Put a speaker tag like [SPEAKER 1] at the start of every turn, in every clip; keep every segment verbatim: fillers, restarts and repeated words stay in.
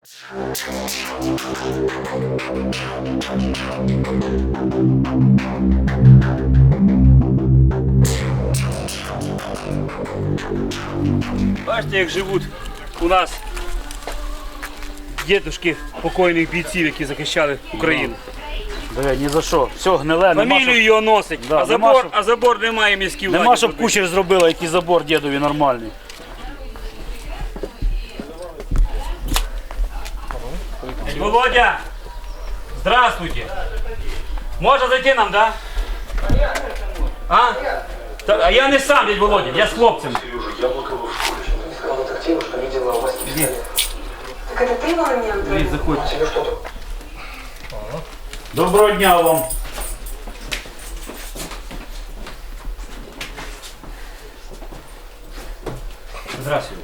[SPEAKER 1] Бачите, як живуть у нас дідушки покойних бійців, які захищали Україну.
[SPEAKER 2] Диви, ні за що. Все гниле, нема
[SPEAKER 1] Фамілію
[SPEAKER 2] щоб,
[SPEAKER 1] його носить,
[SPEAKER 2] Да,
[SPEAKER 1] а,
[SPEAKER 2] нема,
[SPEAKER 1] забор,
[SPEAKER 2] щоб-
[SPEAKER 1] а забор немає міській владі.
[SPEAKER 2] нема, щоб кучер зробила, який забор дідові нормальний.
[SPEAKER 1] Володя, здравствуйте. Можно зайти нам, да? А? Та- А я не сам, дядь Володя, я с хлопцем.
[SPEAKER 3] Сказала детективу, что видела у вас пистолет. Так это ты был на меня
[SPEAKER 1] Привіт, заходь.
[SPEAKER 3] Тебе что-то...
[SPEAKER 2] Доброго дня вам.
[SPEAKER 1] Здравствуйте.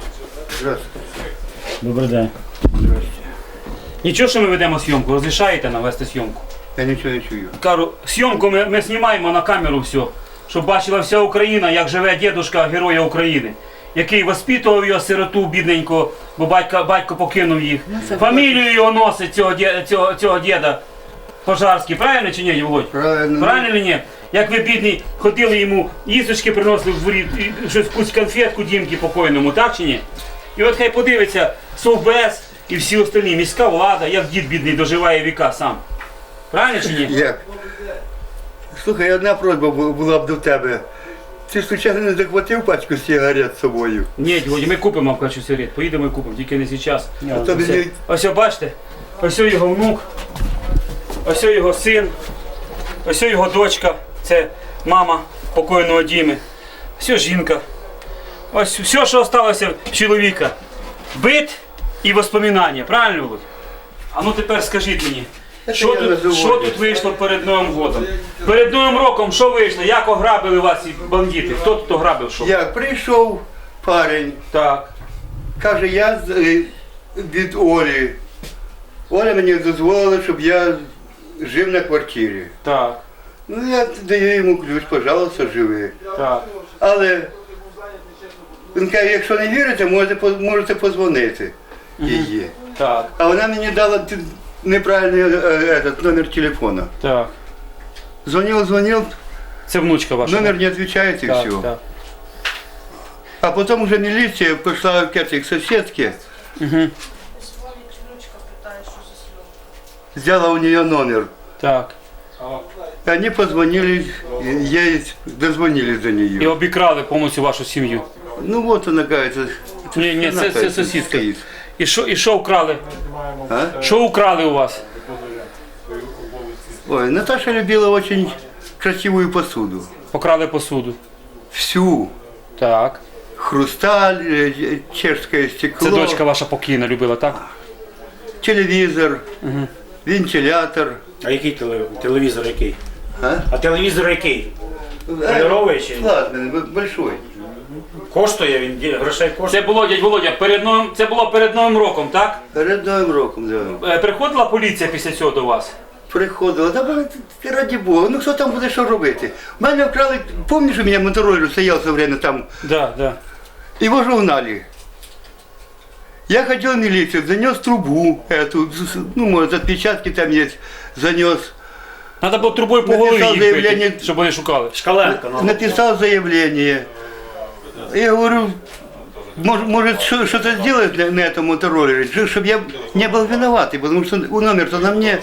[SPEAKER 2] Добрий день.
[SPEAKER 1] Нічого, що ми ведемо зйомку, розрішаєте нам вести зйомку?
[SPEAKER 4] Я нічого не чую.
[SPEAKER 1] Кажу, зйомку ми, ми знімаємо на камеру все, щоб бачила вся Україна, як живе дідушка Героя України, який воспитував його сироту бідненько, бо батько, батько покинув їх. Фамілію його носить цього, дє- цього, цього діда Пожарський, правильно чи ні, Володь?
[SPEAKER 4] Правильно.
[SPEAKER 1] Правильно чи ні? Як ви, бідний, ходили йому, їсточки приносили в дворі, і щось якусь конфетку Дімки покойному, так чи ні? І от хай подивиться Совбез і всі остальні, міська влада, як дід бідний доживає віка сам. Правильно чи ні?
[SPEAKER 4] Як? Слухай, одна просьба бу- була б до тебе. Ти случайно не захватив пачку сигарет з собою?
[SPEAKER 1] Ні, Володя, ми купимо в качу сигарет, поїдемо і купимо, тільки не зараз.
[SPEAKER 4] А то
[SPEAKER 1] Все.
[SPEAKER 4] мені...
[SPEAKER 1] Ось о, бачите, ось о його внук, ось о його син, ось о його дочка, це мама покойного Діми, ось о жінка. Ось все, що залишилося в чоловіка. Бит і воспоминання, правильно, Володь? А ну тепер скажіть мені,
[SPEAKER 4] Це
[SPEAKER 1] що
[SPEAKER 4] я
[SPEAKER 1] тут,
[SPEAKER 4] називаю.
[SPEAKER 1] що тут вийшло перед Новим годом? Перед Новим роком що вийшло? Як ограбили вас ці бандити? Хто тут ограбив що?
[SPEAKER 4] Як прийшов парень,
[SPEAKER 1] Так.
[SPEAKER 4] каже, я з- е, від Олі. Оля мені дозволила, щоб я жив на квартирі.
[SPEAKER 1] Так,
[SPEAKER 4] Ну, я даю йому ключ, пожалуйста, живи.
[SPEAKER 1] так.
[SPEAKER 4] Але він каже, якщо не вірите, можете, по- можете позвонити її.
[SPEAKER 1] Так,
[SPEAKER 4] А вона мені дала т- неправильний е, этот, номер телефона.
[SPEAKER 1] так.
[SPEAKER 4] Звонил, звонил,
[SPEAKER 1] Це внучка ваша.
[SPEAKER 4] номер не отвечает и
[SPEAKER 1] так,
[SPEAKER 4] все.
[SPEAKER 1] так.
[SPEAKER 4] А потом уже милиция пошла к этой к соседке,
[SPEAKER 1] Угу.
[SPEAKER 4] взяла у нее номер.
[SPEAKER 1] Так.
[SPEAKER 4] И они позвонили, ей дозвонились до
[SPEAKER 1] І
[SPEAKER 4] нее.
[SPEAKER 1] обікрали повністю вашу сім'ю.
[SPEAKER 4] Ну вот она какая-то.
[SPEAKER 1] Ні, ні, це, це сусідка.
[SPEAKER 4] стоит.
[SPEAKER 1] І що, і що вкрали?
[SPEAKER 4] А?
[SPEAKER 1] Що вкрали у вас?
[SPEAKER 4] Ой, Наташа любила очень красивую посуду.
[SPEAKER 1] Покрали посуду.
[SPEAKER 4] Всю.
[SPEAKER 1] Так.
[SPEAKER 4] Хрусталь, э, чешское стекло,
[SPEAKER 1] Це дочка ваша покійна любила, так?
[SPEAKER 4] телевизор, вентилятор.
[SPEAKER 2] А який теле- телевізор який?
[SPEAKER 4] А?
[SPEAKER 2] А телевізор який?
[SPEAKER 4] Э,
[SPEAKER 2] Кольоровий чи?
[SPEAKER 4] Плазменный, б- большой.
[SPEAKER 2] Коштує він, ді- грошей коштує?
[SPEAKER 1] Це було, дядь Володя, перед новим, це було перед Новим роком, так?
[SPEAKER 4] Перед Новим роком, да.
[SPEAKER 1] Е, Приходила поліція після цього до вас?
[SPEAKER 4] Приходила, та мене, ти раді Бога, ну хто там буде що робити? Мене вкрали, пам'ятаєш, у мене мотороллер стояв все время там,
[SPEAKER 1] Да, да.
[SPEAKER 4] его же угнали. Я ходил в милицию, занес трубу эту, ну, может, отпечатки там есть, занес.
[SPEAKER 1] Треба було трубою по
[SPEAKER 4] Написав
[SPEAKER 1] голові їх
[SPEAKER 4] заявлення.
[SPEAKER 1] бити, щоб вони шукали.
[SPEAKER 2] Шкаленко. Ну.
[SPEAKER 4] Написал заявление. Я говорю, может, может что- что-то сделать на, на этом мотороллере, чтобы я не был виноватый, потому что номер-то на мне.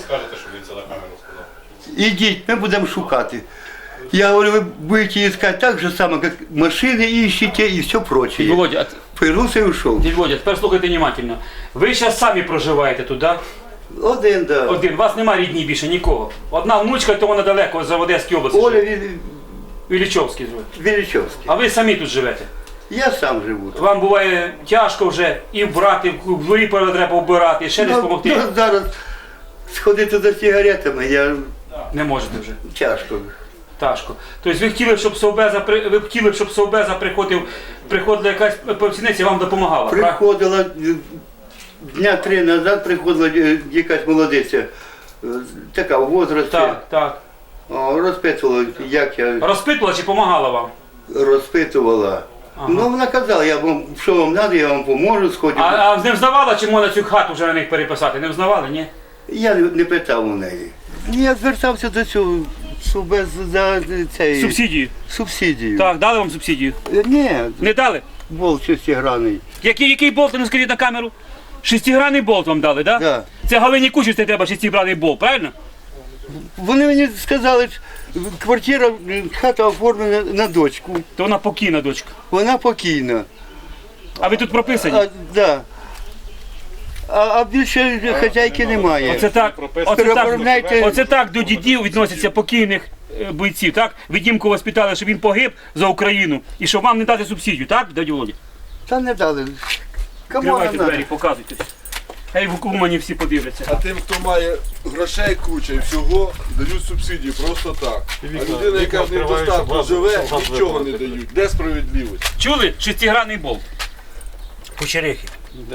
[SPEAKER 4] Ідіть, ми будемо шукати. Я говорю, ви будете искать так же само, как машины ищете и все
[SPEAKER 1] Дядь
[SPEAKER 4] прочее.
[SPEAKER 1] Володя, а т-
[SPEAKER 4] Повернувся і ушов.
[SPEAKER 1] дядь Володя, тепер слухайте внимательно. Ви зараз самі проживаєте тут, так?
[SPEAKER 4] Один, да.
[SPEAKER 1] Один, у вас немає рідні більше нікого. Одна внучка, то вона далеко, за Одеській області.
[SPEAKER 4] Оля
[SPEAKER 1] живе.
[SPEAKER 4] Ві-
[SPEAKER 1] Іллічовський живе.
[SPEAKER 4] Величовський.
[SPEAKER 1] А ви самі тут живете.
[SPEAKER 4] Я сам живу.
[SPEAKER 1] Вам буває тяжко вже і вбрати, в дворі треба вбирати, і ще десь
[SPEAKER 4] Ну,
[SPEAKER 1] допомогти.
[SPEAKER 4] ну, зараз сходити за сигаретами, я
[SPEAKER 1] Не можете вже.
[SPEAKER 4] тяжко.
[SPEAKER 1] Тяжко. Тобто ви хотіли, щоб Совбеза при- ви б хотіли, щоб Совбеза приходив, приходила якась працівниця і вам допомагала. правильно?
[SPEAKER 4] Приходила е, дня три назад, приходила е, якась молодиця, е, така в возрасті,
[SPEAKER 1] Так, так.
[SPEAKER 4] О, розпитувала, як я
[SPEAKER 1] Розпитувала чи допомагала вам?
[SPEAKER 4] розпитувала. Ну вона казала, я вам, що вам треба, я вам поможу, сходити.
[SPEAKER 1] А, а не взнавала, чи можна цю хату вже на них переписати? Не взнавали, ні?
[SPEAKER 4] Я не, не питав у неї. Я звертався до цього субез за цей
[SPEAKER 1] Субсидію.
[SPEAKER 4] субсидію.
[SPEAKER 1] Так, дали вам субсидію?
[SPEAKER 4] Е, Ні,
[SPEAKER 1] Не дали?
[SPEAKER 4] болт шестигранний.
[SPEAKER 1] Який, який болт, ну скажіть на камеру? Шестигранний болт вам дали, так?
[SPEAKER 4] Да.
[SPEAKER 1] Це Галині Кучерці треба шестигранний болт, правильно?
[SPEAKER 4] Вони мені сказали, що квартира, хата оформлена на дочку.
[SPEAKER 1] То вона покійна дочка.
[SPEAKER 4] Вона покійна.
[SPEAKER 1] А ви тут прописані?
[SPEAKER 4] А, да. а, а більше хазяйки немає.
[SPEAKER 1] Оце так, оце
[SPEAKER 4] Переоформляйте.
[SPEAKER 1] так, оце так до дідів відносяться покійних е, бойців, так? Ви Дімку воспитали, щоб він погиб за Україну і щоб вам не дати субсидію, так, дядю Володя?
[SPEAKER 4] Та не дали. Кому
[SPEAKER 1] Відкривайте
[SPEAKER 4] вона?
[SPEAKER 1] двері, показуйте. Хай в Умані всі подивляться.
[SPEAKER 5] А тим, хто має грошей куча і всього, дають субсидії просто так. А людина, яка в недостатку живе, нічого не дають. Де справедливість?
[SPEAKER 1] Чули? Шестигранний болт.
[SPEAKER 2] Кучерехи.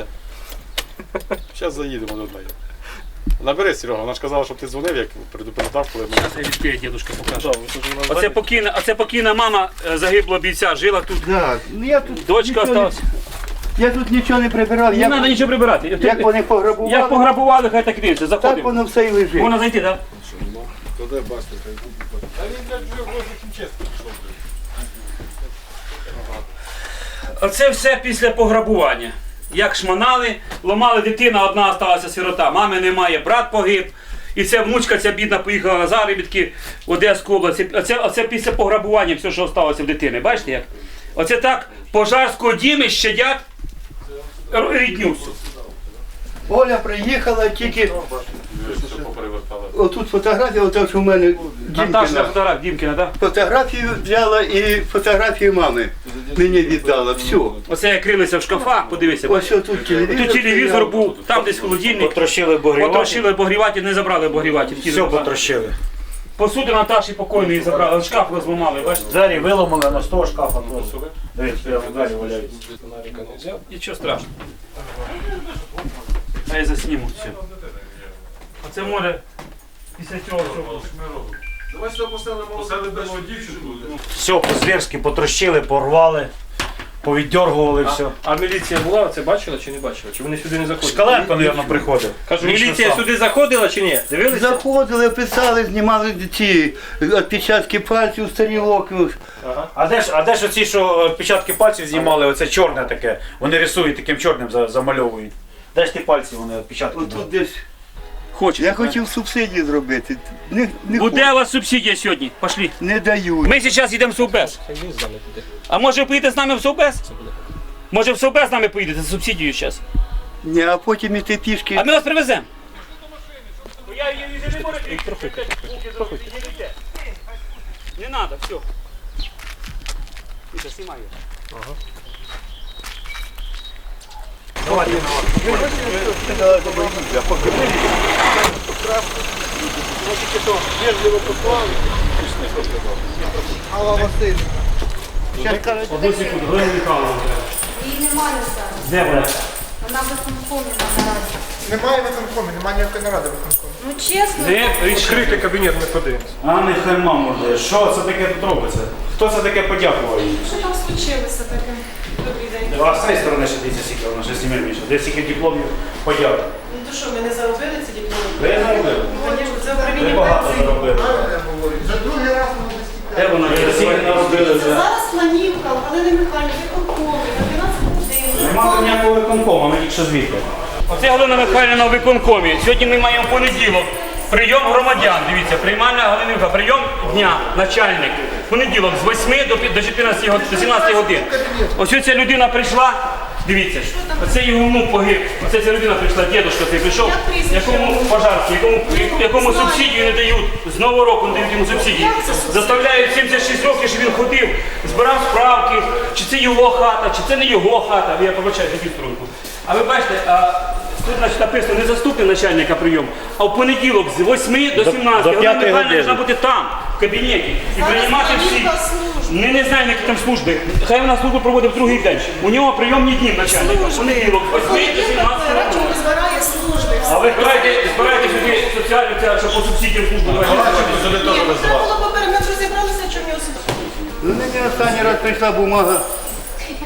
[SPEAKER 6] Зараз заїдемо до неї. Набери, Серега, вона ж казала, щоб ти дзвонив, як предупреждав, коли ми.
[SPEAKER 1] Зараз я відкрию, дідушка покаже. Оце покійна, оце покійна мама е, загиблого бійця, жила тут.
[SPEAKER 4] Да. Ну, я тут
[SPEAKER 1] Дочка
[SPEAKER 4] нічого не-
[SPEAKER 1] осталась.
[SPEAKER 4] Я тут нічого не прибирав.
[SPEAKER 1] Не
[SPEAKER 4] Як,
[SPEAKER 1] треба нічого прибирати.
[SPEAKER 4] як вони пограбували,
[SPEAKER 1] Як пограбували, хай так і дивиться.
[SPEAKER 4] так
[SPEAKER 1] Заходимо.
[SPEAKER 4] воно все і лежить.
[SPEAKER 1] Можна зайти, так?
[SPEAKER 5] То де бачите, хай купить.
[SPEAKER 6] Та він, блядь, вже возле хімчистки пішов, блядь.
[SPEAKER 1] Оце все після пограбування. Як шманали, ламали дитина, одна залишилася сирота. Мами немає, брат погиб. І ця внучка, ця бідна, поїхала на заробітки в Одеську область. Оце, оце після пограбування все, що залишилося в дитини. Бачите як? Оце так пожарського діми щадять рідню всю.
[SPEAKER 4] Оля приїхала тільки.
[SPEAKER 6] Що поперевертали.
[SPEAKER 4] Отут фотографія, ота, що в мене
[SPEAKER 1] Наташа
[SPEAKER 4] Дімкіна.
[SPEAKER 1] фотограф, Дімкіна, так?
[SPEAKER 4] Фотографію взяла і фотографію мами мені віддала. Все.
[SPEAKER 1] Оце як крилися в шкафах, подивися.
[SPEAKER 4] Ось тут телевізор.
[SPEAKER 1] Тут телевізор
[SPEAKER 4] стояв.
[SPEAKER 1] був, там десь холодильник.
[SPEAKER 2] Потрощили обогріватель.
[SPEAKER 1] Потрощили обогріватель, не забрали обогріватель.
[SPEAKER 2] Все потрощили.
[SPEAKER 1] Посуду Наташі покойної забрали, шкаф розламали, бачите?
[SPEAKER 2] Двері виломали на з того шкафа просто. Дивіться, прямо двері валяються.
[SPEAKER 1] Нічого страшного. А я засніму все. Оце може після цього всього.
[SPEAKER 5] Давай сюди поставимо дівчинку.
[SPEAKER 2] Все по-зверськи потрощили, порвали, повіддергували все.
[SPEAKER 7] А міліція була, це бачила чи не бачила? Чи вони сюди не заходили?
[SPEAKER 2] Шкаленко, мабуть, приходив.
[SPEAKER 7] Кажу,
[SPEAKER 2] Лічно
[SPEAKER 7] міліція
[SPEAKER 2] сам.
[SPEAKER 7] сюди заходила чи ні? Дивилися?
[SPEAKER 4] Заходили, писали, знімали ці відпечатки пальців, старілок.
[SPEAKER 2] А де ж, а де ж оці, що відпечатки пальців знімали, оце чорне таке, вони рисують таким чорним, за- замальовують. Де ж ті пальці вони відпечатки?
[SPEAKER 4] Отут десь.
[SPEAKER 1] Хочете?
[SPEAKER 4] Я хотів субсидії зробити. Не, не,
[SPEAKER 1] Буде
[SPEAKER 4] хочу.
[SPEAKER 1] у вас субсидія сьогодні? Пошли.
[SPEAKER 4] Не дають.
[SPEAKER 1] Ми зараз йдемо в Совбез. А може поїдете з нами в Совбез? Може в Совбез з нами поїдете за субсидією зараз?
[SPEAKER 4] Ні, а потім іти пішки.
[SPEAKER 1] А ми вас привеземо. Не треба, все. Міша, знімай його. Одну секунду, Галина Михайловна.
[SPEAKER 8] Її немає зараз.
[SPEAKER 1] Де вона?
[SPEAKER 8] Вона виконкомі на нараді.
[SPEAKER 9] Немає виконкому, немає ніякої наради виконкому.
[SPEAKER 8] Ну чесно,
[SPEAKER 1] Де?
[SPEAKER 7] Відкрити кабінет, ми подивимося.
[SPEAKER 2] А не херма може. Що це таке тут робиться? Хто це таке подякував їй?
[SPEAKER 8] що там случилося таке? Добрий день.
[SPEAKER 2] А з цієї сторони ще дивіться, скільки вона ще сім'я більше. Де скільки дипломів подяк.
[SPEAKER 8] Ну то що, ми не заробили ці дипломи?
[SPEAKER 2] Ви заробили?
[SPEAKER 8] Звісно, це
[SPEAKER 2] Ви
[SPEAKER 8] управління
[SPEAKER 2] багато
[SPEAKER 8] пенсії.
[SPEAKER 2] заробили.
[SPEAKER 9] За другий раз воно
[SPEAKER 1] Де вона?
[SPEAKER 2] Ви скільки наробили вже?
[SPEAKER 8] Зараз планівка, Галини Михайлівни, виконкомі, на дванадцять годин.
[SPEAKER 2] Нема ніякого виконкому, ми тільки що звідти.
[SPEAKER 1] Оце Галина Михайлівна на виконкомі. Сьогодні ми маємо понеділок. Прийом громадян. Дивіться, приймальна Галина Михайлівна. Прийом дня, начальник. Понеділок з восьми до пі- до чотирнадцяти год- до сімнадцяти годин. Ось ця людина прийшла. Дивіться, оце його внук погиб. Оце ця людина прийшла, дідушка цей прийшов,
[SPEAKER 8] Як прізвище?
[SPEAKER 1] якому пожарці, якому, якому
[SPEAKER 8] Знаю.
[SPEAKER 1] субсидію не дають. З нового року не дають йому субсидії.
[SPEAKER 8] Як це субсидія?
[SPEAKER 1] Заставляють сімдесят шість років, щоб він ходив, збирав справки, чи це його хата, чи це не його хата. Я побачаю таку струнку. А ви бачите, а, тут значить, написано не заступник начальника прийому, а в понеділок з восьми до сімнадцяти.
[SPEAKER 2] до
[SPEAKER 1] Галина
[SPEAKER 2] п'ятої
[SPEAKER 1] Михайлівна
[SPEAKER 2] години.
[SPEAKER 1] повинна бути там, в кабінеті, і
[SPEAKER 8] Зараз
[SPEAKER 1] приймати всі.
[SPEAKER 8] планівка служби.
[SPEAKER 1] Ми не знаємо, які там служби. Хай вона службу проводить в другий день. У нього прийомні дні начальника. В понеділок, з восьми до сімнадцяти.
[SPEAKER 8] Радченко збирає служби.
[SPEAKER 1] А ви збираєте, збираєте сюди соціальну, ця, що по субсидіям службу.
[SPEAKER 8] Ні, ну, треба було попередньо розібралися, чому в нього субсидії.
[SPEAKER 4] Ну, мені останній раз прийшла бумага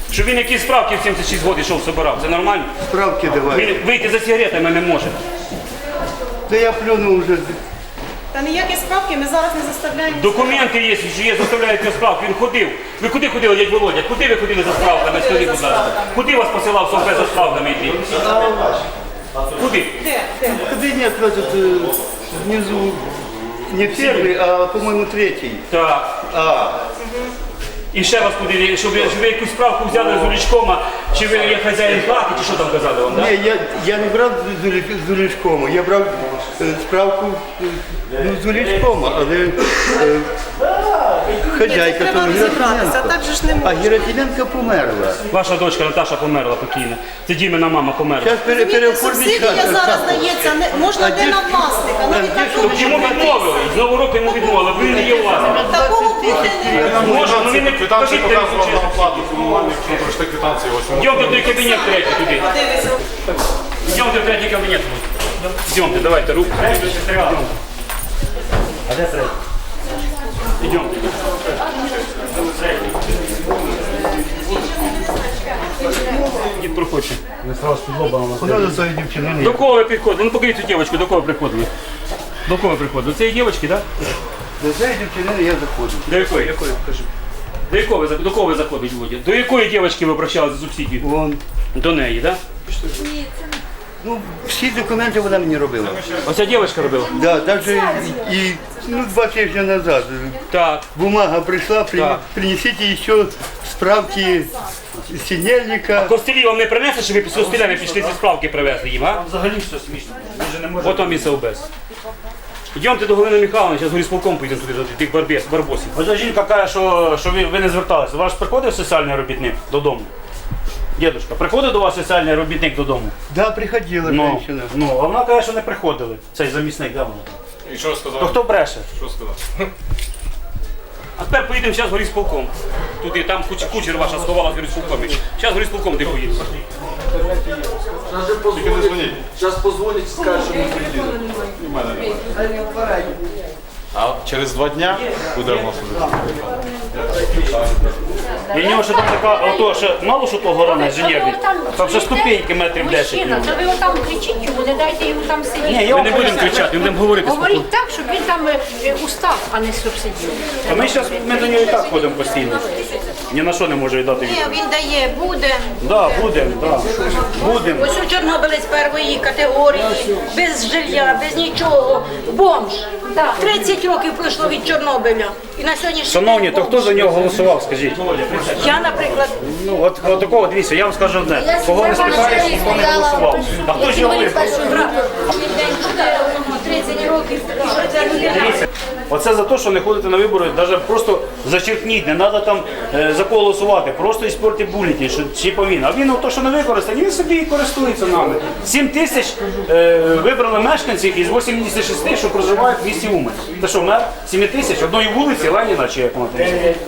[SPEAKER 1] Щоб він якісь справки в сімдесят шість років йшов, собирав. Це нормально?
[SPEAKER 4] Справки давай.
[SPEAKER 1] Він вийти за сигаретами не може.
[SPEAKER 4] Та я плюнув вже.
[SPEAKER 8] Та ніякі справки ми зараз не заставляємо.
[SPEAKER 1] Документи є, що є, заставляють його справки. Він ходив. Ви куди ходили, дядь Володя? Куди ви ходили за справками? Скажіть, будь ласка. Куди вас посилав Совбез за справками йти? Куди?
[SPEAKER 8] Де? Де?
[SPEAKER 4] Кабинет этот э, внизу не первый, а, по-моему, третий.
[SPEAKER 1] Так.
[SPEAKER 4] А,
[SPEAKER 1] І ще вас куди, щоб ви, щоб ви якусь справку взяли з Улічкома, чи ви є хазяїн хати, чи що там казали вам, так?
[SPEAKER 4] не, я, я не брав з Улі- з Улічкома, я брав е, справку е, ну, з Улічкома, але е, хазяйка
[SPEAKER 8] Треба
[SPEAKER 4] там
[SPEAKER 8] розібратися,
[SPEAKER 4] Герасименко.
[SPEAKER 8] так же ж не
[SPEAKER 4] А
[SPEAKER 8] можна.
[SPEAKER 4] Герасименко померла.
[SPEAKER 1] Ваша дочка Наташа померла покійна. Це Дімина мама померла.
[SPEAKER 4] Зараз пере, переоформить
[SPEAKER 8] Субсидія
[SPEAKER 4] хату.
[SPEAKER 8] зараз дається, не, можна
[SPEAKER 4] А
[SPEAKER 8] де
[SPEAKER 4] де-
[SPEAKER 8] на власника, навіть
[SPEAKER 4] де
[SPEAKER 8] такого
[SPEAKER 1] Йому відмовили, з нового року йому відмовили, бо він не є власником.
[SPEAKER 8] такого бути не може.
[SPEAKER 1] Може, ну він не
[SPEAKER 6] Квитанції
[SPEAKER 1] покажіть, де
[SPEAKER 6] показував
[SPEAKER 1] він
[SPEAKER 6] на оплату комунальних, якщо прочитати квитанції. Ось
[SPEAKER 1] Йдемте в той кабінет третій туди.
[SPEAKER 8] Дивися.
[SPEAKER 1] Йдемте в третій кабінет. Йдемте, давайте, руку. А де третій? Йдемте. Дід проходьте.
[SPEAKER 4] Куди до цієї дівчини не
[SPEAKER 1] До кого ви приходили? Ну покажіть цю дівчинку, до кого приходили? До кого приходили? До цієї дівчинки, так?
[SPEAKER 4] До цієї дівчини я заходжу.
[SPEAKER 1] До якої? Якої? Покажи. До якого ви, за- до кого ви заходите, Володя? До якої дівчинки ви обращалися за субсидію?
[SPEAKER 4] Вон.
[SPEAKER 1] До неї, так?
[SPEAKER 4] Ну, всі документи вона мені робила.
[SPEAKER 1] Оця дівчинка робила?
[SPEAKER 4] Да, даже і, і ну, два тижні назад
[SPEAKER 1] Так.
[SPEAKER 4] бумага прийшла, при,
[SPEAKER 1] Так.
[SPEAKER 4] принесите ще справки синельника.
[SPEAKER 1] Костелі вам не принесли, щоб ви з костелями пішли ці справки привезли їм, а?
[SPEAKER 2] Взагалі все смішно. Він же не може.
[SPEAKER 1] От вам і Совбез. Йдемте до Галини Михайловни, зараз горісполком поїдемо туди, до тих барбес, барбосів.
[SPEAKER 2] Ось жінка каже, що, що ви, ви не зверталися. Ваш приходив соціальний робітник додому? Дідушка, приходив до вас соціальний робітник додому?
[SPEAKER 4] Да, приходила
[SPEAKER 2] Ну,
[SPEAKER 4] женщина.
[SPEAKER 2] ну, а вона каже, що не приходили. Цей замісник, де вона там?
[SPEAKER 6] І що сказав?
[SPEAKER 2] То хто бреше?
[SPEAKER 6] Що сказав?
[SPEAKER 1] А тепер поїдемо зараз горісполком. Туди, там куч, кучер ваша сховала з горісполкомі. Зараз горісполком де поїдемо.
[SPEAKER 6] Тільки не дзвоніть.
[SPEAKER 5] Зараз позвонить, скаже, що ми приїдемо.
[SPEAKER 6] І в мене немає. А через два дня буде в нас уже.
[SPEAKER 2] І в нього ще там така, ото ще мало що того гора на інженерний. Там ще ступеньки метрів десять.
[SPEAKER 10] Мужчина, то ви отам кричіть йому, не дайте йому там
[SPEAKER 2] Ні,
[SPEAKER 10] сидіти.
[SPEAKER 2] я
[SPEAKER 1] Ми не будемо кричати, ми будемо говорити спокійно.
[SPEAKER 10] Говоріть так, щоб він там е, устав, а не субсидію.
[SPEAKER 2] А ми зараз ми до нього і так ходимо постійно. Ні на що не може віддати
[SPEAKER 10] Ні,
[SPEAKER 2] відповідь.
[SPEAKER 10] він дає, буде.
[SPEAKER 2] Да, будемо, да. Будемо.
[SPEAKER 10] Ось у Чорнобилець першої категорії, без жилья, без нічого, бомж. тридцять років пройшло від Чорнобиля. І на сьогоднішній
[SPEAKER 2] Шановні,
[SPEAKER 10] день
[SPEAKER 2] то хто
[SPEAKER 10] бомж.
[SPEAKER 2] за нього голосував, скажіть?
[SPEAKER 10] Я, наприклад,
[SPEAKER 2] Ну, от, от такого, дивіться, я вам скажу одне. Кого не спитаєш, ніхто не голосував. А хто ж його вибрав?
[SPEAKER 10] тридцять років, що ця людина.
[SPEAKER 2] Оце за те, що не ходите на вибори, навіть просто зачеркніть, не треба там е, за кого голосувати, просто іспорти бюлетень, що чи повинен. А він то, що не використаний, він собі і користується нами. сім тисяч е, вибрали мешканців із вісімдесят шість, що проживають в місті Умань. Та що, мер сім тисяч одної вулиці Леніна, чи як вона там?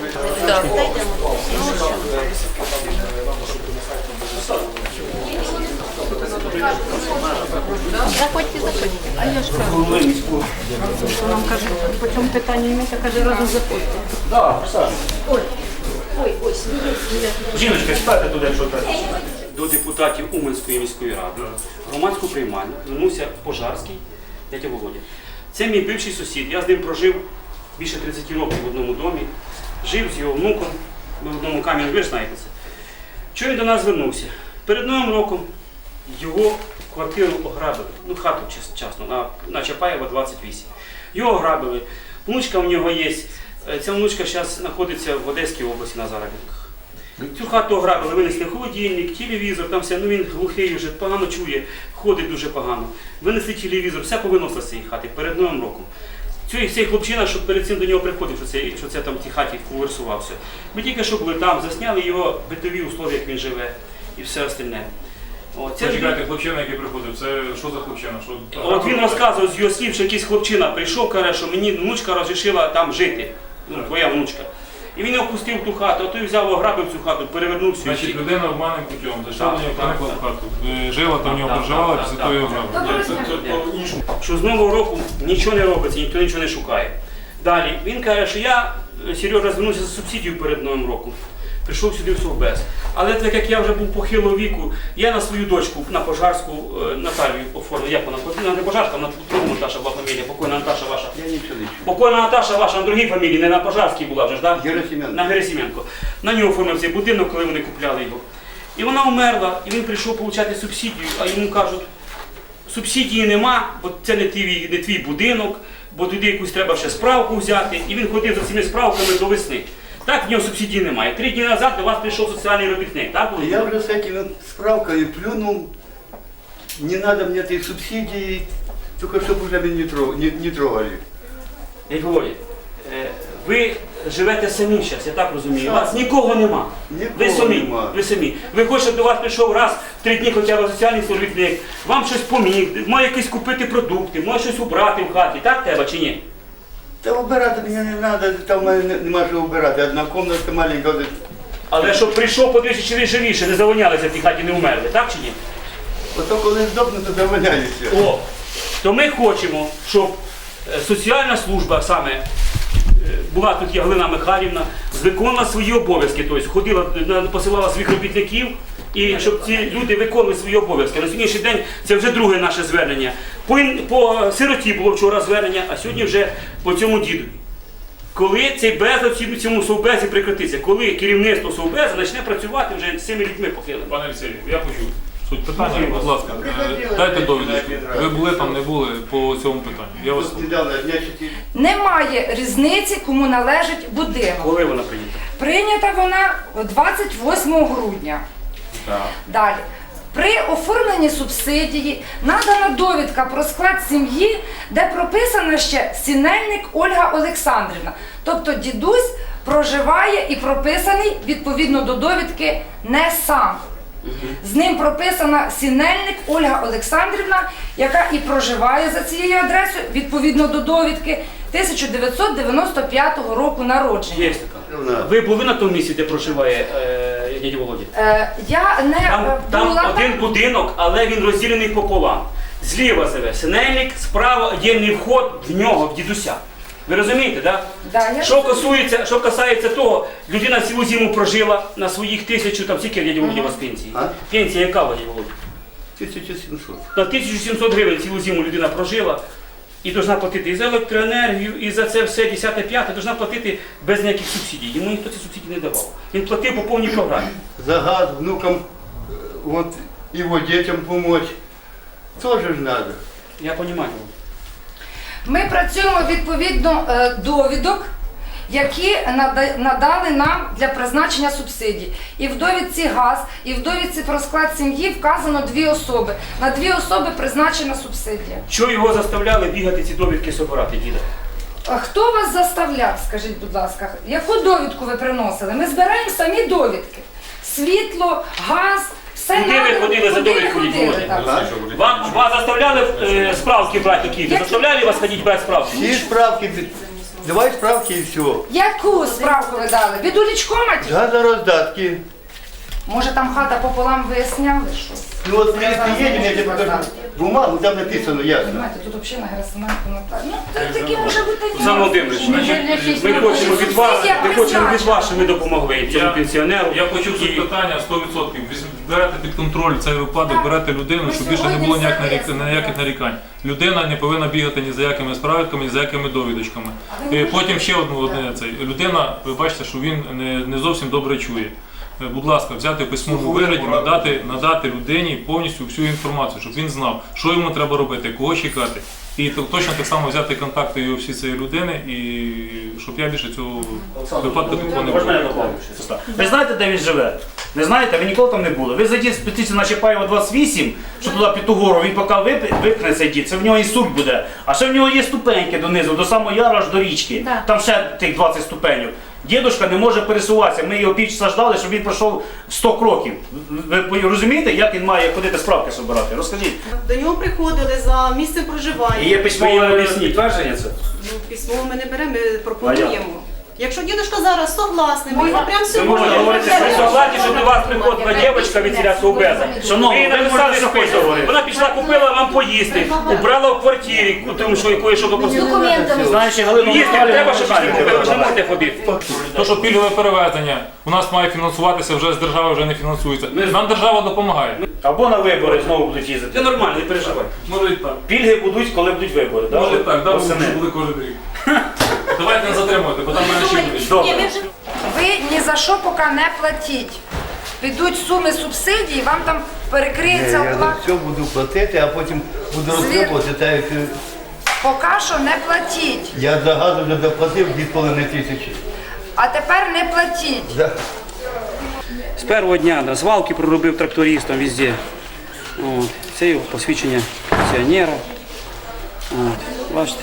[SPEAKER 10] Заходьте, заходьте. А я ж кажу, що нам кажуть, по цьому питанню ім'я, каже, разом заходьте.
[SPEAKER 2] Так, присаджуйтесь.
[SPEAKER 10] Ой, ой, ой, сміє, сміє.
[SPEAKER 2] Жіночка, спайте туди, якщо так.
[SPEAKER 1] До депутатів Уманської міської ради громадську приймальню звернувся Пожарський дядя Володя. Це мій бивший сусід. Я з ним прожив більше тридцять років в одному домі. Жив з його внуком, ми в одному камені, ви ж знаєте це. Чого він до нас звернувся? Перед Новим роком його квартиру ограбили, ну хату час- часно, на, на Чапаєва двадцять вісім. Його ограбили. Внучка в нього є. Е, Ця внучка зараз знаходиться в Одеській області на заробітках. Цю хату ограбили, винесли холодильник, телевізор, там все, ну він глухий вже, погано чує, ходить дуже погано. Винесли телевізор, все повиносили з цієї хати перед Новим роком. Цей, цей хлопчина, що перед цим до нього приходив, що це, що це там в тій хаті конверсувався. Ми тільки що були там, засняли його битові условия, як він живе і все остальне. О, це
[SPEAKER 6] Почекайте, хлопчина, який приходив, це що за хлопчина? Що...
[SPEAKER 1] От він розказував з його слів, що якийсь хлопчина прийшов, каже, що мені внучка розрішила там жити. Ну, твоя внучка. І він його пустив в ту хату, а той взяв, ограбив цю хату, перевернув всю.
[SPEAKER 6] Значить, людина обманним путем, зайшла
[SPEAKER 1] Так,
[SPEAKER 6] до нього,
[SPEAKER 1] так,
[SPEAKER 6] проникла
[SPEAKER 1] так.
[SPEAKER 6] в хату. Е, Жила там в нього,
[SPEAKER 1] Так,
[SPEAKER 6] проживала,
[SPEAKER 1] так,
[SPEAKER 6] після
[SPEAKER 1] так,
[SPEAKER 6] того його
[SPEAKER 1] так,
[SPEAKER 6] ограбили.
[SPEAKER 1] так.
[SPEAKER 6] Це- це по-іншому.
[SPEAKER 1] Що з Нового року нічого не робиться, ніхто нічого не шукає. Далі, він каже, що я, Сережа, звернувся за субсидію перед Новим роком. прийшов сюди в Совбез. Але так як я вже був похилого віку, я на свою дочку, на Пожарську, е, Наталію оформив. Як вона? Вона не Пожарська, вона другу Наташа була фамілія, покойна Наташа ваша.
[SPEAKER 4] Я нічого не чую.
[SPEAKER 1] Покойна Наташа ваша на другій фамілії, не на Пожарській була вже ж, так?
[SPEAKER 4] Герасименко.
[SPEAKER 1] На Герасименко. На нього оформив цей будинок, коли вони купляли його. І вона вмерла, і він прийшов отримати субсидію, а йому кажуть, субсидії нема, бо це не твій, не твій будинок, бо туди якусь треба ще справку взяти. І він ходив за цими справками до весни. Так, в нього субсидії немає. Три дні назад до вас прийшов соціальний робітник, так? було?
[SPEAKER 4] Я уже с этими справками плюнул. Не надо мне этой субсидии, только чтобы уже меня не, трог- не, не трогали.
[SPEAKER 1] Як говорять, е, ви живете самі зараз, я так розумію. У вас нікого нема.
[SPEAKER 4] Нікого
[SPEAKER 1] ви самі.
[SPEAKER 4] нема.
[SPEAKER 1] Ви самі. Ви хочете, щоб до вас прийшов раз в три дні хоча б соціальний робітник, вам щось поміг, може якісь купити продукти, може щось убрати в хаті, так треба чи ні?
[SPEAKER 4] Та убирати мені не треба, там в мене нема що убирати. Одна кімната маленька.
[SPEAKER 1] Але щоб прийшов, подивився, чи ви живіше, не завонялися в тій хаті, не вмерли, так чи ні?
[SPEAKER 4] Ото коли здохну, то заваляюся.
[SPEAKER 1] О, то ми хочемо, щоб е, соціальна служба саме, е, була тут є Галина Михайлівна, виконувала свої обов'язки, тобто ходила, на- посилала своїх робітників, і щоб ці люди виконували свої обов'язки. На сьогоднішній день це вже друге наше звернення. По, ін- по сироті було вчора звернення, а сьогодні вже по цьому діду. Коли цей безлад в цьому совбезі прекратиться, коли керівництво совбезу почне працювати вже з цими людьми похилими.
[SPEAKER 6] Пане Василю, я почув. Суть питання, будь ласка, е, дайте довідочку. Ви були там, не були по цьому питанню. Я вас
[SPEAKER 4] Тут недавно, дня чотири.
[SPEAKER 11] Немає різниці, кому належить будинок.
[SPEAKER 1] Коли вона прийнята?
[SPEAKER 11] Прийнята вона двадцять восьмого грудня.
[SPEAKER 6] так.
[SPEAKER 11] Далі. При оформленні субсидії надана довідка про склад сім'ї, де прописана ще Сінельник Ольга Олександрівна. Тобто дідусь проживає і прописаний відповідно до довідки не сам. З ним прописана Сінельник Ольга Олександрівна, яка і проживає за цією адресою відповідно до довідки тисяча дев'ятсот дев'яносто п'ятого року народження.
[SPEAKER 1] Є така. Ви були на тому місці, де проживає е, дядя Володя?
[SPEAKER 11] Е, я не
[SPEAKER 1] Там,
[SPEAKER 11] е,
[SPEAKER 1] там
[SPEAKER 11] була
[SPEAKER 1] один
[SPEAKER 11] там.
[SPEAKER 1] будинок, але він розділений пополам. Зліва живе Синельник, справа єдиний вход в нього, в дідуся. Ви розумієте, так?
[SPEAKER 11] Да, я
[SPEAKER 1] Що касується, що касається того, людина цілу зиму прожила на своїх тисячу, там скільки дядя Володя у вас пенсії?
[SPEAKER 4] А?
[SPEAKER 1] Пенсія яка, дядя Володя?
[SPEAKER 4] тисяча сімсот.
[SPEAKER 1] На тисячу сімсот гривень цілу зиму людина прожила і повинна платити і за електроенергію, і за це все десяте-п'яте, повинна платити без ніяких субсидій. Йому ніхто ці субсидії не давав. Він платив по повній програмі.
[SPEAKER 4] За газ внукам, вот, его детям помочь. Тоже ж надо.
[SPEAKER 1] Я розумію.
[SPEAKER 11] Ми працюємо відповідно е, довідок, які нада- надали нам для призначення субсидій. І в довідці газ, і в довідці про склад сім'ї вказано дві особи. На дві особи призначена субсидія.
[SPEAKER 1] Що його заставляли бігати ці довідки собирати, діда?
[SPEAKER 11] А хто вас заставляв, скажіть, будь ласка, яку довідку ви приносили? Ми збираємо самі довідки. Світло, газ, все
[SPEAKER 1] Куди ви
[SPEAKER 11] надано.
[SPEAKER 1] ходили за
[SPEAKER 11] Куди ви
[SPEAKER 1] довідкою,
[SPEAKER 11] ходили,
[SPEAKER 1] Володя?
[SPEAKER 11] так.
[SPEAKER 1] Вам, вас заставляли е, справки брати такі?
[SPEAKER 11] Які?
[SPEAKER 1] Заставляли вас ходити брати справки?
[SPEAKER 4] Всі справки, давай справки і все.
[SPEAKER 11] Яку справку ви дали? Від улічкома?
[SPEAKER 4] Газороздатки.
[SPEAKER 11] Може там хата пополам виясняли щось?
[SPEAKER 4] Ну вот при- приедем, я тебе покажу бумагу, там написано ясно.
[SPEAKER 11] Понимаете, тут взагалі на Герасименко Наталі. Ну, це такі може бути такі.
[SPEAKER 1] Олександр Володимирович, значить, ми хочемо від вас, ми хочемо від вас, щоб ви допомогли цьому
[SPEAKER 6] Я-
[SPEAKER 1] пенсіонеру.
[SPEAKER 6] Я почув суть
[SPEAKER 1] І-
[SPEAKER 6] питання сто відсотків. Візь- Берете під контроль цей випадок, берете людину, щоб більше не було ніяк нарік- ніяких нарікань. Людина не повинна бігати ні за якими справками, ні за якими довідочками. І потім ще одну одне цей. Людина, ви бачите, що він не, не зовсім добре чує. Е, Будь ласка, взяти в письмовому вигляді, надати, надати людині повністю всю інформацію, щоб він знав, що йому треба робити, кого чекати. І то- точно так само взяти контакти його всі цієї людини, і щоб я більше цього випадку такого не
[SPEAKER 2] Можна я
[SPEAKER 6] було.
[SPEAKER 2] доповню? Ви знаєте, де він живе? Не знаєте? Ви ніколи там не були. Ви зайдіть спустіться на Чапаєва двадцять вісім, що туди під ту гору, він поки вип- випне цей дід, це в нього і суд буде. А ще в нього є ступеньки донизу, до самого яру аж до річки.
[SPEAKER 11] Да.
[SPEAKER 2] Там ще тих двадцять ступенів. Дідушка не може пересуватися. Ми його півчаса ждали, щоб він пройшов сто кроків. Ви розумієте, як він має ходити справки збирати? Розкажіть.
[SPEAKER 8] До нього приходили за місцем проживання.
[SPEAKER 2] І є
[SPEAKER 1] Ви їм
[SPEAKER 2] письмове
[SPEAKER 1] об'ясніть.
[SPEAKER 2] підтвердження це?
[SPEAKER 8] Ну, письмо ми не беремо, ми пропонуємо. Якщо дідушка зараз согласний, ми його прямо
[SPEAKER 1] Ви
[SPEAKER 8] сьогодні.
[SPEAKER 1] можете говорити, при согласні, що до вас приходила дівчинка від ціля Совбеза.
[SPEAKER 2] Шановні,
[SPEAKER 1] Ви
[SPEAKER 2] ви
[SPEAKER 1] написали
[SPEAKER 2] можете
[SPEAKER 1] список.
[SPEAKER 2] говорити.
[SPEAKER 1] Вона пішла, купила вам поїсти, убрала в квартирі, тому що якої що попросили.
[SPEAKER 2] Знаєш, Галину
[SPEAKER 1] Їсти
[SPEAKER 2] Михайлівну,
[SPEAKER 1] треба, щоб їсти купили, ви ж не можете ходити.
[SPEAKER 6] То, що пільгове перевезення у нас має фінансуватися, вже з держави вже не фінансується. Нам держава допомагає.
[SPEAKER 2] або на вибори знову будуть їздити.
[SPEAKER 1] Це нормально, не переживай.
[SPEAKER 6] Може і так.
[SPEAKER 2] Пільги будуть, коли будуть вибори. да?
[SPEAKER 6] Може і так, да,
[SPEAKER 2] Восени.
[SPEAKER 6] буде кожен рік. Давайте не затримувати, бо там мене ще будуть.
[SPEAKER 2] Добре.
[SPEAKER 11] Ви ні за що поки не платіть. Підуть суми субсидій, вам там перекриється
[SPEAKER 4] Я за
[SPEAKER 11] оплата.
[SPEAKER 4] все буду платити, а потім буду розтребувати. Так як е,
[SPEAKER 11] Поки що не платіть.
[SPEAKER 4] я за газ вже доплатив дві з половиною тисячі.
[SPEAKER 11] А тепер не платіть.
[SPEAKER 4] Да.
[SPEAKER 1] З першого дня на звалки проробив трактористом везде. От. Це його посвідчення пенсіонера. От. Бачите?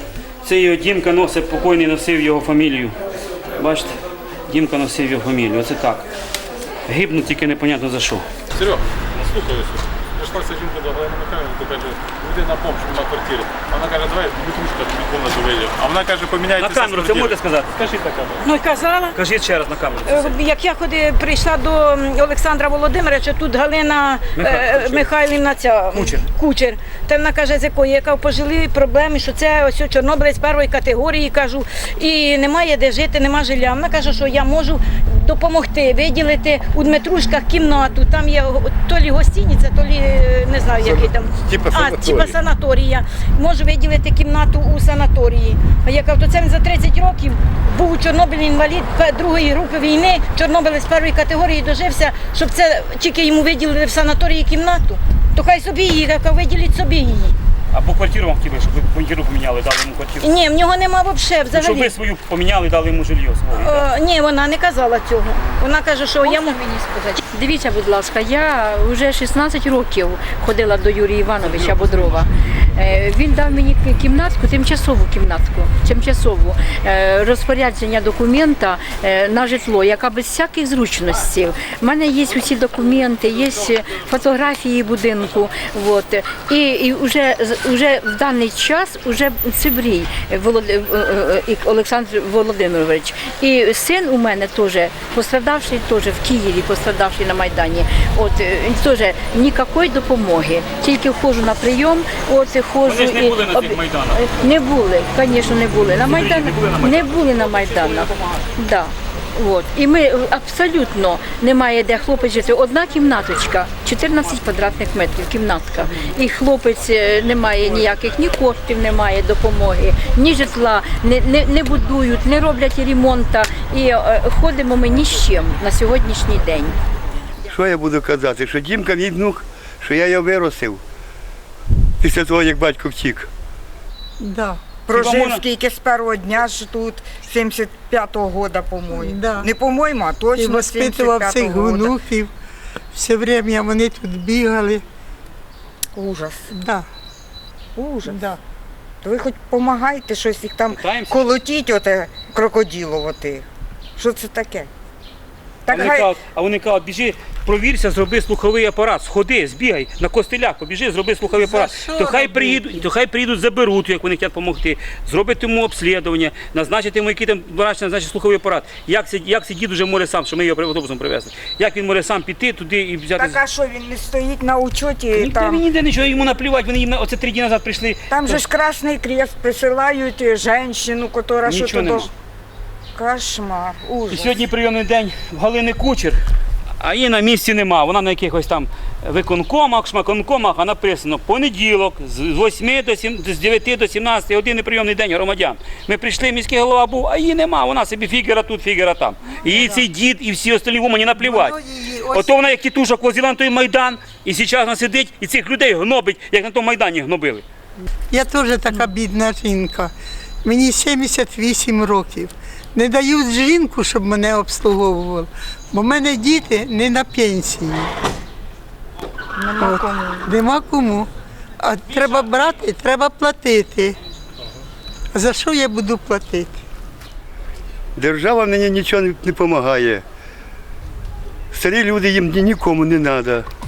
[SPEAKER 1] Це його Дімка носив, покойний носив його фамілію. Бачите? Дімка носив його фамілію. Оце так. Гибнуть тільки непонятно за що.
[SPEAKER 6] Серега, слухаюся. Прийшла жінка до Галини Михайлівни, то каже, вийди на помощь на квартирі. Вона каже, давай виключка тобі комнату вийде. А вона каже, поміняйте.
[SPEAKER 1] На камеру це можете сказати?
[SPEAKER 6] Скажіть на камеру.
[SPEAKER 10] Ну, казала.
[SPEAKER 1] Кажіть ще раз на камеру.
[SPEAKER 10] Е, Як я ходи, прийшла до Олександра Володимировича, тут Галина е, Михайлівна ця,
[SPEAKER 1] Кучер.
[SPEAKER 10] Кучер. Та вона каже, з якої, яка пожили проблеми, що це ось чорнобилець першої категорії, кажу, і немає де жити, нема жилья. Вона каже, що я можу допомогти, виділити у Дмитрушках кімнату, там є то лі гостиниця, то лі, е, не знаю, який там.
[SPEAKER 5] Типа
[SPEAKER 10] а,
[SPEAKER 5] санаторій.
[SPEAKER 10] типа санаторія. Можу виділити кімнату у санаторії. А я кажу, то це він за тридцять років був у Чорнобилі інвалід другої групи війни, чорнобилець першої категорії дожився, щоб це тільки йому виділили в санаторії кімнату. То хай собі її, яка виділіть собі її.
[SPEAKER 1] Або квартиру вам хотіли, щоб ви квартиру поміняли, дали йому квартиру.
[SPEAKER 10] Ні, в нього нема взагалі.
[SPEAKER 1] Ну, щоб ви
[SPEAKER 10] взагалі.
[SPEAKER 1] свою поміняли, дали йому жилье своє.
[SPEAKER 10] О, ні, вона не казала цього. Вона каже, що я можу мені сказати.
[SPEAKER 12] Дивіться, будь ласка, я вже шістнадцять років ходила до Юрія Івановича Бодрова. Е, Він дав мені кімнатку, тимчасову кімнатку, тимчасову е, розпорядження документа е, на житло, яка без всяких зручностей. У мене є усі документи, є фотографії будинку. От. І, і вже, вже в даний час вже Цибрій Волод... е, е, Олександр Володимирович. І син у мене теж пострадавший теж в Києві, пострадавший на Майдані. От е, теж ніякої допомоги. Тільки входжу на прийом, от ходжу.
[SPEAKER 1] Вони ж не
[SPEAKER 12] і-
[SPEAKER 1] були на цих майданах.
[SPEAKER 12] Не були, звісно, не були. На Майдан...
[SPEAKER 1] не були на Майданах?
[SPEAKER 12] Не були на Майданах. Да. От. І ми абсолютно немає де хлопець жити. Одна кімнаточка, чотирнадцять квадратних метрів, кімнатка. І хлопець е, не має ніяких, ні коштів немає, допомоги, ні житла, не, не, не будують, не роблять ремонту. І е, ходимо ми ні з чим на сьогоднішній день.
[SPEAKER 4] Що я буду казати? Що Дімка мій внук, що я його виростив після того, як батько втік.
[SPEAKER 13] Да.
[SPEAKER 1] Прожив
[SPEAKER 13] Прожив скільки з першого дня ж тут, сімдесят п'ятого года, по-моєму. Да. Не по-моєму, а
[SPEAKER 9] І
[SPEAKER 13] точно
[SPEAKER 9] воспитував цих
[SPEAKER 13] сімдесят п'ятого года.
[SPEAKER 9] внуків. Все время вони тут бігали.
[SPEAKER 13] Ужас,
[SPEAKER 9] Да,
[SPEAKER 13] ужас.
[SPEAKER 9] да.
[SPEAKER 13] То ви хоч допомагайте щось їх там
[SPEAKER 1] Питаємося.
[SPEAKER 13] колотіть, оте крокодилово. Що це таке?
[SPEAKER 1] А
[SPEAKER 13] Так
[SPEAKER 1] вони
[SPEAKER 13] хай
[SPEAKER 1] кажуть, а вони кажуть, біжи, провірся, зроби слуховий апарат, сходи, збігай на костелях, побіжи, зроби слуховий апарат.
[SPEAKER 9] що
[SPEAKER 1] То хай
[SPEAKER 9] робити?
[SPEAKER 1] приїдуть, то хай приїдуть, заберуть, як вони хочуть допомогти, зробити йому обслідування, назначити йому, який там врач назначить слуховий апарат. Як це, як це дід уже може сам, що ми його автобусом привезли? Як він може сам піти туди і взяти?
[SPEAKER 13] так, а що він не стоїть на учоті?
[SPEAKER 1] Ніде він
[SPEAKER 13] Там,
[SPEAKER 1] ніде нічого, йому наплівати, вони їм на- оце три дні назад прийшли.
[SPEAKER 13] там же ж Красний Крест присилають жінку, яка що
[SPEAKER 1] Нічого
[SPEAKER 13] то
[SPEAKER 1] нема.
[SPEAKER 13] до... Кошмар,
[SPEAKER 1] І
[SPEAKER 13] ужас.
[SPEAKER 1] сьогодні прийомний день в Галини Кучер, а її на місці нема. Вона на якихось там виконкомах, шмаконкомах, а написано понеділок з восьми до сім, з дев'яти до сімнадцяти години прийомний день громадян. Ми прийшли, міський голова був, а її нема. Вона собі фігера тут, фігера там. І їй цей дід і всі остальні вумані наплівати. Ото вона як тітушок возила на той Майдан, і зараз вона сидить і цих людей гнобить, як на тому Майдані гнобили.
[SPEAKER 9] Я теж така бідна жінка. Мені сімдесят вісім років. Не дають жінку, щоб мене обслуговували, бо в мене діти не на пенсії.
[SPEAKER 13] Нема кому.
[SPEAKER 9] Нема кому. А треба брати, треба платити. За що я буду платити?
[SPEAKER 4] Держава мені нічого не допомагає. Старі люди їм ні- нікому не треба.